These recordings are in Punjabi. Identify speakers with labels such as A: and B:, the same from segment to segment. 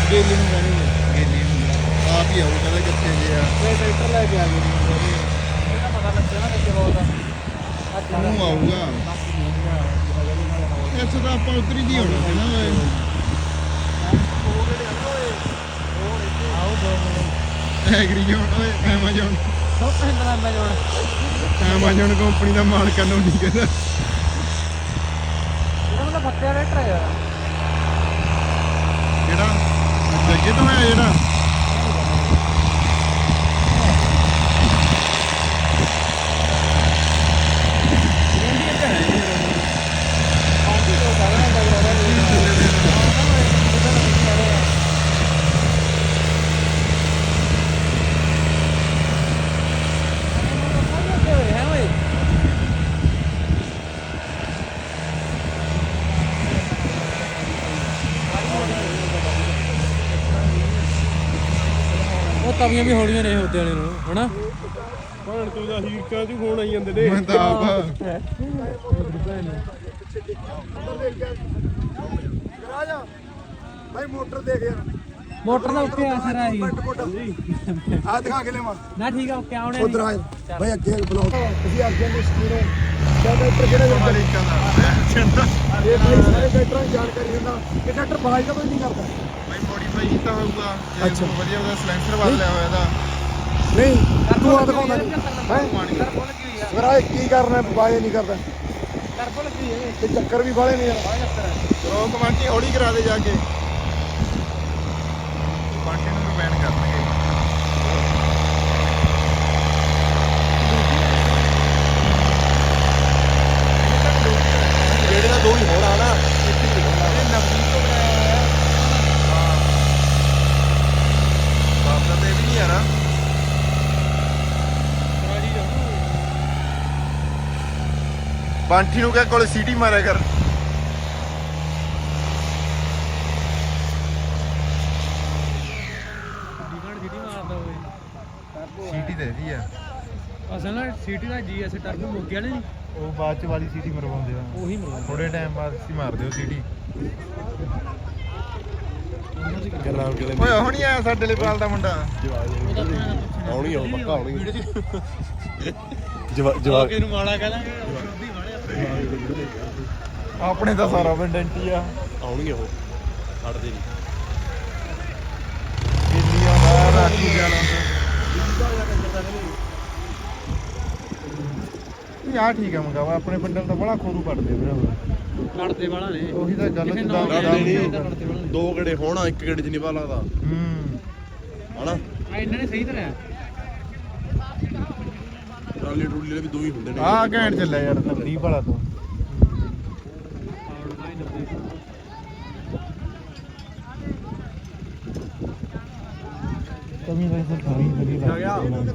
A: ਗੇਲੀ ਨੂੰ ਕਹਿਣੀ
B: ਗੇਲੀ ਨੂੰ ਆਪ ਹੀ ਆਉ ਕਹਿੰਦਾ ਕਿੱਥੇ ਜੇ ਆ
A: ਟਰੈਕਟਰ ਲੈ ਕੇ ਆ ਗਏ ਇਹਦਾ ਪਤਾ ਲੱਗਿਆ ਨਾ ਕਿੱਥੇ ਬਹੁਤ
B: ਉਹ ਆਊਗਾ ਇੱਥੇ ਤਾਂ ਆਪਾਂ ਉਤਰੀ ਦੀ ਹੋਣਾ ਸੀ ਨਾ ਐਗਰੀ ਜੋਨ ਓਏ ਐਮਾਜ਼ੋਨ
A: ਸਭ ਪੈਂਦਾ ਮੈਂ ਜੋੜ
B: ਐਮਾਜ਼ੋਨ ਕੰਪਨੀ ਦਾ ਮਾਲਕ ਨੂੰ ਨਹੀਂ ਕਹਿੰਦਾ
A: ਇਹਦਾ ਮਤਲਬ ਫੱਟਿਆ ਟਰੈਕਟਰ ਹੈ ਯਾਰ
B: ਜਿਹੜਾ ਜੱਗੇ ਤੋਂ ਆਇਆ ਜਿਹੜਾ
A: ਤਵੀਆਂ ਵੀ ਹੌਲੀਆਂ ਨੇ ਉਹਦੇ ਵਾਲੇ ਨੂੰ ਹਨਾ
C: ਭਾਣ ਤੂੰ ਦਾ ਹੀਕਾਂ ਤੂੰ ਫੋਨ ਆਈ ਜਾਂਦੇ ਨੇ
B: ਮੈਂ ਤਾਂ ਆਪ
C: ਭਾਈ ਮੋਟਰ ਦੇਖ ਯਾਰ
A: ਮੋਟਰ ਦਾ ਉੱਤੇ ਅਸਰ ਆਈ
C: ਆ ਦਿਖਾ ਕੇ ਲੈਵਾ
A: ਨਾ ਠੀਕ ਆ ਓਕੇ ਆਉਣੇ
C: ਉਧਰ ਆ ਭਾਈ ਅੱਗੇ ਬਲੌਕ ਤੁਸੀਂ ਅੱਗੇ ਦੇ ਸਕੂਲ ਟਰੈਕਟਰ ਕਿਹੜਾ ਜਾਂਦਾ ਇਹ ਭਾਈ ਸਾਰੇ ਟਰੈਕਟਰਾਂ ਦੀ ਜਾਣਕਾਰੀ ਦਿੰਦਾ ਕਿ ਟਰੈਕਟਰ ਬਾਜ ਦਾ ਕੋਈ ਨਹੀਂ ਕਰਦਾ
B: ਭਾਈ ਮੋਡੀਫਾਈ ਕੀਤਾ ਹੋਊਗਾ
C: ਅੱਛਾ।
B: ਵਧੀਆ ਉਹਦਾ ਸਲੈਂਸਰ ਬਦਲਿਆ ਹੋਇਆ ਇਹਦਾ
C: ਨਹੀਂ ਤੂੰ ਆ ਦਿਖਾਉਂਦਾ ਨਹੀਂ ਹੈ ਮੇਰਾ ਕੀ ਕਰਨਾ ਬਾਜ ਨਹੀਂ ਕਰਦਾ
A: ਟਰਬੋ ਲੱਗੀ ਹੈ
C: ਤੇ ਚੱਕਰ ਵੀ ਬਾਲੇ ਨਹੀਂ ਯਾਰ
B: ਉਹ ਕਮਾਂਟੀ ਹੌਲੀ ਕਰਾ ਦੇ ਜਾ ਕੇ ਕਮਾਂਟੀ ਨੂੰ ਬੈਨ ਕਰਨਗੇ
C: ਜਿਹੜੇ ਦਾ ਦੋ ਹੀ ਹੋਰ ਆ ਨਾ
B: ਬਾਪ ਦਾ ਤੇ ਵੀ ਨਹੀਂ ਯਾਰ ਬਾਂਠੀ ਨੂੰ ਕਹਿ ਕੋਲੇ ਸੀਟੀ ਮਾਰਿਆ ਕਰ ਸੀਟੀ ਦੇ ਦੀ ਆ
A: ਅਸਲ ਨਾਲ ਸੀਟੀ ਦਾ ਜੀਐਸ ਟਰਬੋ ਮੁੱਕ ਗਿਆ ਨਹੀਂ
B: ਉਹ ਬਾਅਦ ਚ ਵਾਲੀ ਸੀਟੀ ਮਰਵਾਉਂਦੇ ਆ
A: ਉਹੀ ਮਰਵਾ
B: ਥੋੜੇ ਟਾਈਮ ਬਾਅਦ ਅਸੀਂ ਮਾਰਦੇ ਹੋ ਸੀਟੀ ਓਏ ਹੁਣ ਹੀ ਆਇਆ ਸਾਡੇ ਲਈ ਪਾਲ ਦਾ ਮੁੰਡਾ
C: ਆਉਣੀ ਆ ਪੱਕਾ ਆਉਣੀ
A: ਜਵਾਕ ਇਹਨੂੰ ਮਾੜਾ ਕਹਾਂਗੇ
B: ਆਪਣੇ ਤਾਂ ਸਾਰਾ ਪਿੰਡ ਐਂਟੀ ਆ
C: ਆਉਣੀ ਉਹ ਛੱਡਦੇ ਨਹੀਂ
B: ਦਿੱਲੀਆਂ ਦਾ ਰਾਖੀ ਜਾਣਾ ਯਾਰ ਠੀਕ ਆ ਮੰਗਾਵਾ ਆਪਣੇ ਪਿੰਡਾਂ ਤਾਂ ਬੜਾ ਖੋਰੂ ਕੱਢਦੇ ਵੀਰੇ
A: ਲੜਦੇ ਵਾਲਾ ਨੇ
B: ਉਹੀ ਤਾਂ ਗੱਲ
A: ਕਿਸੇ
B: ਜਿੱਦਾਂ
A: ਨਾਲ
B: ਲੜਦੇ
A: ਨਹੀਂ।
C: ਦੋ ਗੇੜੇ ਹੋਣਾ ਇੱਕ ਗੇੜੇ ਚ ਨਹੀਂ ਪਾ ਲੱਗਦਾ ਹਨਾ
A: ਆ ਇਹਨਾਂ ਨੇ ਸਹੀ ਤਰ੍ਹਾਂ
C: ਟਰਾਲੀ ਟਰੂਲੀ ਵਾਲੇ ਵੀ ਦੋ ਹੀ ਹੁੰਦੇ ਨੇ
B: ਆਹ ਘੈਂਟ ਚੱਲਿਆ ਯਾਰ ਨਵਦੀਪ ਵਾਲਾ ਤੋਂ ਕਮੀ ਦਾ ਸਰਕਾਰੀ ਵਧੀਆ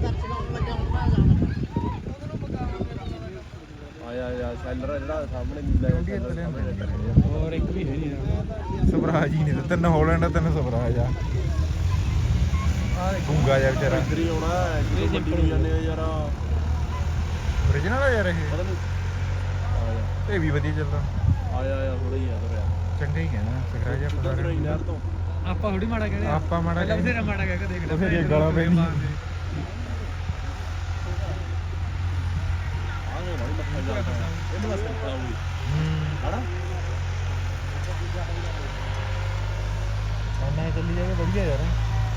C: ਆਇਆ ਸੈਲਰ ਜਿਹੜਾ ਸਾਹਮਣੇ
A: ਹੋਰ ਇੱਕ ਵੀ ਹੈ ਨਹੀਂ
B: ਸਵਰਾਜ ਹੀ ਨਹੀਂ ਤੇ ਤਿੰਨ ਹਾਲੈਂਡ ਤਿੰਨ ਸਵਰਾਜ ਆ ਗੁੰਗਾ ਜਿਹਾ ਵਿਚਾਰਾ
C: ਇੱਧਰ ਹੀ ਆਉਣਾ ਇਹ ਸਿੰਪਲ ਜਾਂਦੇ ਆ ਯਾਰ
B: ਓਰੀਜਨਲ ਆ ਯਾਰ ਇਹ
C: ਪਤਾ ਨਹੀਂ
B: ਇਹ ਵੀ ਵਧੀਆ ਚੱਲਦਾ
C: ਆਇਆ ਥੋੜਾ ਹੀ ਆ ਤੁਰਿਆ
B: ਚੰਗਾ ਹੀ ਕਹਿਣਾ ਸਵਰਾਜ
C: ਕਿੱਦਾਂ
B: ਆਪਾਂ
C: ਤੁਰਿਆ ਨਹਿਰ ਤੋਂ
A: ਆਪਾਂ ਥੋੜੀ ਮਾੜਾ ਕਹਿੰਦੇ
B: ਆਪਾਂ ਮਾੜਾ
A: ਪਹਿਲਾਂ ਬਥੇਰਾ ਮਾੜਾ ਕਹਿ ਕੇ ਦੇਖ
B: ਉਹ ਫਿਰ ਇਹ ਗਾਲਾਂ ਪੈਂਦੀਆਂ।
C: ਆਗੇ ਬੜੀ ਮੱਥਾ ਜਾਂਦਾ ਇਹਨੂੰ ਬਸ ਕਰਤਾ ਹੋਈ ਹਣਾ
B: ਉਹਨਾਂ ਚੱਲੀ ਜਾਵੇ ਵਧੀਆ ਯਾਰ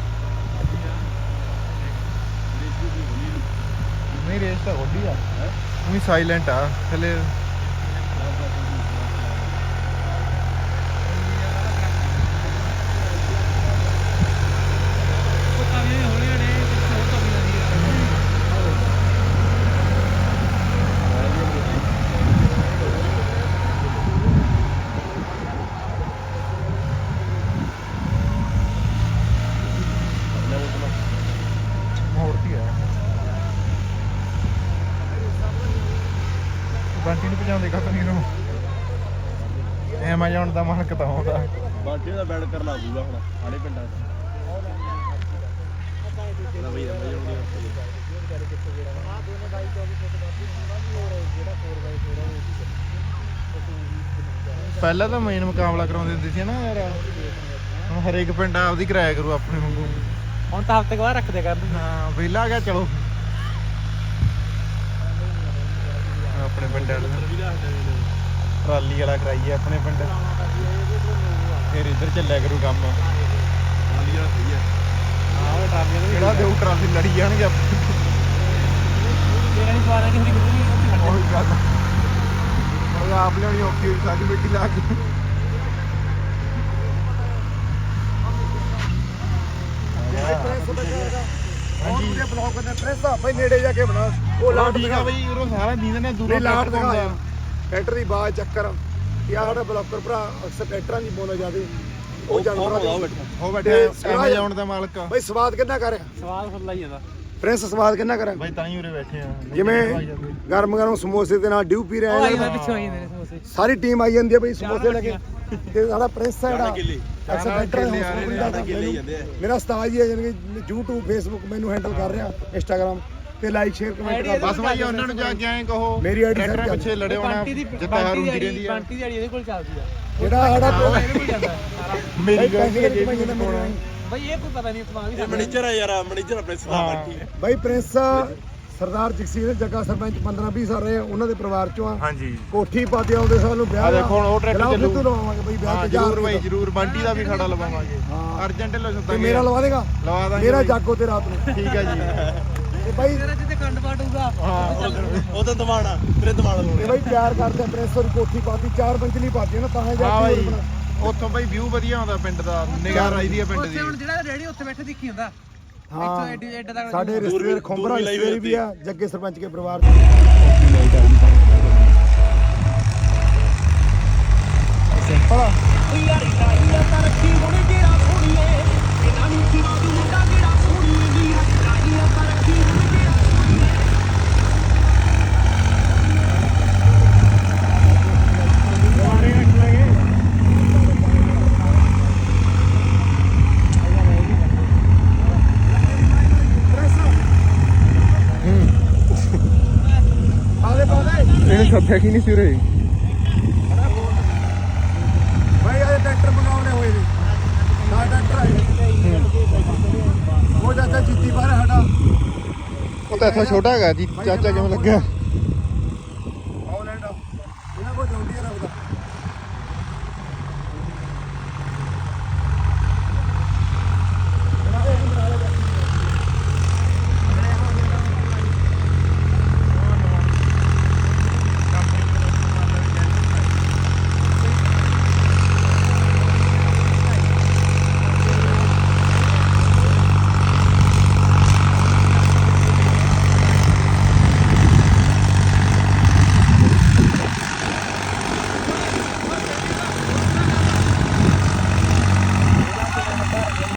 B: ਨਹੀਂ ਰੇਸ ਤਾਂ ਵੱਡੀ ਆ ਉਹੀ ਸਾਇਲੈਂਟ ਆ ਥੱਲੇ ਮੋੜਤੀ ਆ ਬੰਟੀ ਨੂੰ ਭਜਾਉਂਦੇ ਕਾ ਨਹੀਂ ਨੂੰ ਐਮਾਜ਼ੋਨ ਦਾ ਮਾਲਕ ਤਾਂ ਆਉਂਦਾ
C: ਬਾਂਟੇ ਦਾ ਬੈਡ ਕਰ ਲਾ ਦੂਗਾ ਹੁਣ ਸਾਡੇ ਪਿੰਡਾਂ 'ਚ ਨਾ ਬਈ ਐਮਾਜ਼ੋਨ ਨਹੀਂ
B: ਪਹਿਲਾਂ ਤਾਂ ਮੇਨ ਮੁਕਾਬਲਾ ਕਰਾਉਂਦੇ ਹੁੰਦੇ ਸੀ ਨਾ ਯਾਰ ਹੁਣ ਹਰੇਕ ਪਿੰਡ ਆਪਦੀ ਕਿਰਾਇਆ ਕਰੂ ਆਪਣੇ ਵਾਂਗੂ
A: ਹੁਣ ਤਾਂ ਹਫ਼ਤੇ ਬਾਅਦ ਰੱਖਦੇ ਕਰਨ
B: ਹਾਂ ਵਿਹਲਾ ਆ ਗਿਆ ਚਲੋ ਆਪਣੇ ਪਿੰਡ ਵਾਲੇ ਟਰਾਲੀ ਵਾਲਾ ਕਰਾਈਏ ਆਪਣੇ ਪਿੰਡ ਫਿਰ ਇੱਧਰ ਚੱਲਿਆ ਕਰੂ ਕੰਮ ਟਰਾਲੀ ਵਾਲਾ ਸਹੀ ਹੈ
A: ਹਾਂ ਉਹ ਟਰਾਲੀਆਂ
B: ਕਿਹੜਾ ਦੇਊ ਟਰਾਲੀ ਲੜੀ ਜਾਣਗੇ ਆਪਣੇ
A: ਤੇਰਾ ਨਹੀਂ ਸਵਾਦ ਨਹੀਂ ਹੁੰਦੀ
B: ਉਹੀ ਗੱਲ ਉਹ ਆਪ ਲਿਆਉਣੀ ਔਖੀ ਹੋਈ ਸਾਡੀ ਮਿੱਟੀ ਲਾ ਕੇ
C: ਹਾਂਜੀ ਇਹ ਬਲੌਗ ਕਰਨਾ ਪ੍ਰੈਸ ਆ ਭਾਈ ਨੇੜੇ ਜਾ ਕੇ ਬਣਾ ਉਹ ਲਾਟ
B: ਠੀਕ ਆ ਬਈ ਉਹ ਸਾਰਾ ਦੀਨ ਨੇ ਦੂਰੋਂ
C: ਲਾਟ ਦਿਖਾਇਆ ਟਰੈਕਟਰ ਦੀ ਬਾਜ਼ ਚੱਕਰ ਯਾ ਸਾਡਾ ਬਲੌਕਰ ਭਰਾ ਅਕਸਰ ਟਰੈਕਟਰਾਂ ਦੀ ਬੋਲ ਜਾਦੇ ਉਹ ਜਾਨਵਰਾਂ ਦੇ
B: ਉਹ ਬੈਠੇ ਐਮਾਜ਼ਨ ਦਾ ਮਾਲਕ
C: ਭਾਈ ਸਵਾਦ ਕਿੰਨਾ ਕਰ ਰਿਹਾ
A: ਸਵਾਦ ਫੁੱਲਾ ਹੀ ਜਾਂਦਾ
C: ਪ੍ਰਿੰਸ ਸਵਾਦ ਕਿੰਨਾ ਕਰ ਰਿਹਾ
B: ਬਾਈ ਤਾਂ ਹੀ ਉਰੇ ਬੈਠੇ ਆ
C: ਜਿਵੇਂ ਗਰਮ ਸਮੋਸੇ ਦੇ ਨਾਲ ਡਿਊ ਪੀ ਰਹੇ ਆ
A: ਪਿੱਛੋਂ ਆਈ ਨੇ ਸਮੋਸੇ
C: ਸਾਰੀ ਟੀਮ ਆਈ ਜਾਂਦੀ ਹੈ ਬਈ ਸਮੋਸੇ ਲੈ ਕੇ ਤੇ ਸਾਡਾ ਪ੍ਰਿੰਸ ਹੈ ਜਿਹੜਾ ਅਕਸਰ ਮੇਰਾ ਉਸਤਾਦ ਹੀ ਹੈ ਯਾਨੀ ਕਿ YouTube Facebook ਮੈਨੂੰ ਹੈਂਡਲ ਕਰ ਰਿਹਾ Instagram ਤੇ ਲਾਈਕ ਸ਼ੇਅਰ ਕਮੈਂਟ ਕਰ
B: ਬਸ ਭਾਈ ਉਹਨਾਂ ਨੂੰ ਜਾ ਕੇ ਐਂ ਕਹੋ
C: ਮੇਰੀ ਆਈਡੀ
B: ਟਰੈਕਟਰ ਪਿੱਛੇ ਲੜੇ ਹੋਣਾ ਜਿੱਤਾ ਹੁੰਦੀ ਰਹਿੰਦੀ ਆ
A: ਬੰਟੀ ਦੀ ਆੜੀ ਇਹਦੇ ਕੋਲ ਚੱਲਦੀ ਆ
C: ਜਿਹੜਾ ਸਾਡਾ
A: ਇਹਦੇ ਕੋਲ ਜਾਂਦਾ ਸਾਰਾ
B: ਮੇਰੀ ਗੱਲ ਕੀ ਜੇ ਵੀ ਪਾਉਣਾ
A: ਬਈ ਇਹ ਕੋਈ ਪਤਾ ਨਹੀਂ ਕਮਾ ਵੀ
D: ਮੈਨੇਜਰ ਆ ਯਾਰ ਮੈਨੇਜਰ ਪ੍ਰਿੰਸ ਦਾ ਬਾਕੀ
C: ਬਾਈ ਪ੍ਰਿੰਸ ਸਰਦਾਰ ਜਗਸੀਰ ਜੱਗਾ ਸਰਪੰਚ 15-20 ਸਾਲ ਰਹੇ ਉਹਨਾਂ ਦੇ ਪਰਿਵਾਰ ਚੋਂ ਆ
B: ਹਾਂਜੀ
C: ਕੋਠੀ ਪਾਤੇ ਆਉਂਦੇ ਸਾਲ ਨੂੰ ਵਿਆਹ
B: ਆ ਦੇਖੋ ਹੁਣ ਉਹ ਟਰੈਕਟਰ ਚੱਲੂ
C: ਤੂੰ ਲਵਾਵਾਂਗੇ ਬਈ ਵਿਆਹ ਤੇ
B: ਜ਼ਰੂਰ ਬਾਈ ਜ਼ਰੂਰ ਬੰਟੀ ਦਾ ਵੀ ਖੜਾ ਲਵਾਵਾਂਗੇ
C: ਹਾਂ।
B: ਅਰਜੈਂਟ ਲੋ
C: ਤੇ
B: ਸੱਦਾ
C: ਮੇਰਾ ਲਵਾ ਦੇਗਾ
B: ਲਵਾ ਦਾਂਗੇ
C: ਮੇਰਾ ਜਾਗੋ ਤੇ ਰਾਤ ਨੂੰ
B: ਠੀਕ ਆ ਜੀ
C: ਤੇ ਬਾਈ
A: ਤੇਰਾ ਜਿੱਤੇ ਕੰਡ ਪਾਟੂਗਾ
B: ਹਾਂ
D: ਉਹਦਾ ਦਿਮਾਣਾ ਤੇਰੇ ਦਿਮਾਣਾ
C: ਤੇ ਬਾਈ ਪਿਆਰ ਕਰਦੇ ਆ ਪ੍ਰਿੰਸ ਦੀ ਕੋਠੀ ਪਾਤੀ 4 ਪੰਜਲੀ ਪਾਤੀ ਨਾ ਤਾਂ
B: ਹਾਂ
C: ਜਾ
B: ਬਾਈ
C: ਕੇ
B: ਉੱਥੋਂ ਬਾਈ ਵਿਊ ਵਧੀਆ ਆਉਂਦਾ ਪਿੰਡ ਦਾ ਨਿਗਾਹ ਆਈਦੀ ਆ ਪਿੰਡ ਦੀ
A: ਉੱਥੇ ਹੁਣ ਜਿਹੜਾ ਰੇੜੀ ਉੱਥੇ ਬੈਠੇ ਦੇਖੀ ਹੁੰਦਾ
C: ਹਾਂ
A: ਐਡਾ ਤੱਕ
C: ਸਾਡੇ ਰਿਸ਼ਤੇਦਾਰ ਖੰਬਰਾ ਰਿਸ਼ਤੇਦਾਰ ਵੀ ਆ ਜੱਗੇ ਸਰਪੰਚ ਕੇ ਪਰਿਵਾਰ ਸਿੰਪਲ ਆ
A: ਯਾਰੀ ਟਾਈਆਂ ਤਾਂ ਰੱਖੀ ਹੁਣੇ ਜਿਹੜਾ ਸੋਣੀਏ ਇਹਨਾਂ ਨੂੰ ਕੀ ਤੂੰ ਮੁੰਡਾ ਜਿਹੜਾ ਸੋਣੀਏ ਦੀ ਟਾਈਆਂ ਤਾਂ ਰੱਖੀ ਹੁਣੇ ਜਿਹੜਾ
B: ਇਹਨੇ ਸੱਦਿਆ ਕੀ ਨਹੀਂ ਸੀ ਉਰੇ
C: ਭਾਈ ਆਹ ਟਰੈਕਟਰ ਬਣਾਉਣੇ ਹੋਏ ਨੇ ਨਾ ਟਰੈਕਟਰ ਆਏ ਉਹ ਚਾਚਾ ਜੀਤੀ ਬਾਹਰ ਸਾਡਾ
B: ਉਹ ਤਾਂ ਇੱਥੋਂ ਛੋਟਾ ਹੈਗਾ ਜੀ ਚਾਚਾ ਕਿਵੇਂ ਲੱਗਿਆ